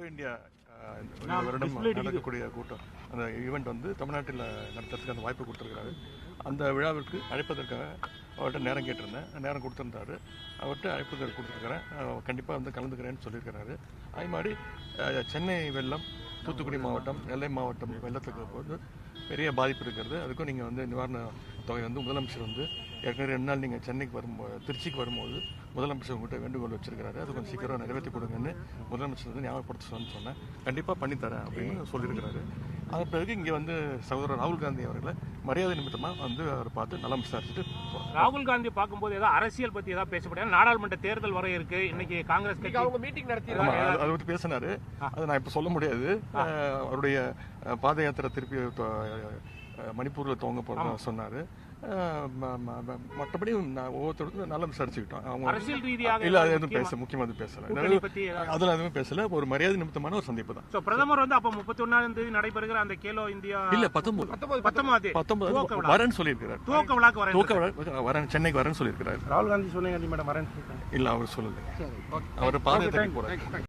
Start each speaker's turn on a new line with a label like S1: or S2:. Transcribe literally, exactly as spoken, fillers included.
S1: India இந்த வருடம் நடக்கக்கூடிய கூட்டம் அந்த ஈவெண்ட் வந்து தமிழ்நாட்டில் நடத்துறதுக்கு அந்த வாய்ப்பு கொடுத்துருக்காரு. அந்த விழாவிற்கு அழைப்பதற்காக அவர்கிட்ட நேரம் கேட்டிருந்தேன். நேரம் கொடுத்துருந்தாரு. அவர்கிட்ட அழைப்பு கொடுத்துருக்கிறேன். கண்டிப்பாக வந்து கலந்துக்கிறேன்னு சொல்லியிருக்கிறாரு. அதே மாதிரி சென்னை வெள்ளம், தூத்துக்குடி மாவட்டம், நெல்லை மாவட்டம் வெள்ளத்துக்கு போது பெரிய பாதிப்பு இருக்கிறது. அதுக்கும் நீங்கள் வந்து நிவாரண தொகை வந்து முதலமைச்சர் வந்து ஏற்கனவே ரெண்டு நாள் நீங்கள் சென்னைக்கு வரும்போது திருச்சிக்கு வரும்போது முதலமைச்சர் உங்கள்கிட்ட வேண்டுகோள் வச்சிருக்கிறாரு. அது கொஞ்சம் சீக்கிரம் நிறைவேற்றி கொடுங்கன்னு முதலமைச்சர் வந்து ஞாபகப்படுத்த சொன்னேன். கண்டிப்பாக பண்ணித்தரேன் அப்படின்னு சொல்லியிருக்கிறாரு. அதன் பிறகு இங்கே வந்து சகோதரர் ராகுல் காந்தி அவர்களை மரியாதை நிமித்தமாக வந்து அவர் பார்த்து நலம் விசாரிச்சுட்டு
S2: ராகுல் காந்தி பார்க்கும்போது ஏதாவது அரசியல் பற்றி ஏதாவது பேசப்படும். நாடாளுமன்ற தேர்தல் வர இருக்கு. இன்னைக்கு காங்கிரஸ் கட்சி அவங்க மீட்டிங் நடத்தி
S1: அதை பற்றி பேசினாரு. அதை நான் இப்போ சொல்ல முடியாது. அவருடைய பாத யாத்திரை திருப்பி மணிப்பூரில் துவங்க போகிறதா சொன்னார். மற்றபடி ஒவ்வொருத்தருக்கும் நல்லா விசாரிச்சுக்கிட்டோம். அவங்க
S2: அரசியல் ரீதியாக
S1: இல்ல அது எதுவும் பேச முக்கியமாக பேசல. அதில் எதுவும் பேசல. ஒரு மரியாதை நிமித்தமான ஒரு சந்திப்பு தான்.
S2: பிரதமர் வந்து அப்ப முப்பத்தி ஒன்னாம் தேதி நடைபெறுகிற அந்த கேலோ இந்தியா
S1: இல்ல பத்தொன்பது
S2: பத்தொன்பது
S1: பத்தொன்பது வரேன்னு சொல்லியிருக்கிறார்.
S2: துவக்க விழாக்கு வரேன்
S1: துவக்க விழா வரேன் சென்னைக்கு வரேன்னு சொல்லியிருக்கிறார்.
S2: ராகுல் காந்தி சொன்னீங்க மேடம் வரேன்னு
S1: இல்ல அவர் சொல்லல. அவர் பாதயாத்திரைக்கு போறாரு.